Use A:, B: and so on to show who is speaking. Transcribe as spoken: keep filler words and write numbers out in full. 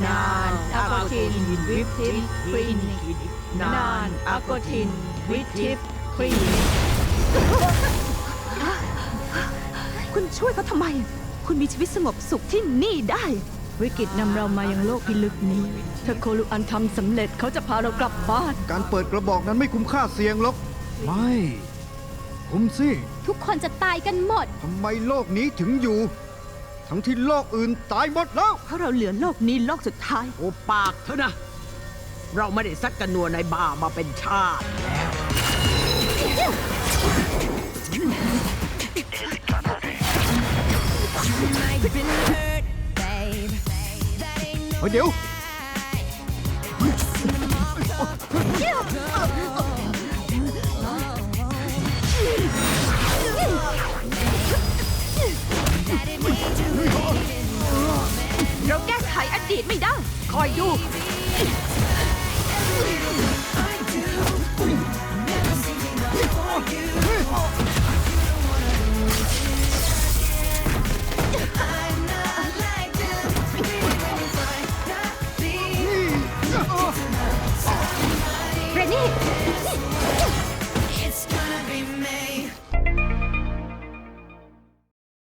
A: นานอะโกทินวิปทิปคลินิกนานอะโกทินวิปทิปคลินิก
B: คุณช่วยเขาทำไม คุณมีชีวิตสงบสุขที่นี่ได้
A: วิกฤตนำเรามายังโลกพิลึกนี้ถ้าโคลุอันทำสำเร็จเขาจะพาเรากลับบ้าน
C: การเปิดกระบอกนั้นไม่คุ้มค่าเสี่ยงหรอก ไม่ คุ้มสิ
B: ทุกคนจะตายกันหมด
C: ทำไมโลกนี้ถึงอยู่ ทั้งที่โลกอื่นตายหมดแล้ว
B: เพราะเราเหลือโลกนี้โลกสุดท้าย
D: โอปากเถอะนะ เราไม่ได้ซัดกันนัวในบาร์มาเป็นชาติแล้ว
C: เฮ้ยเดี๋ยว
B: เราแก้ไขอดีตไม่ได้
A: คอยดู
B: เรนนี่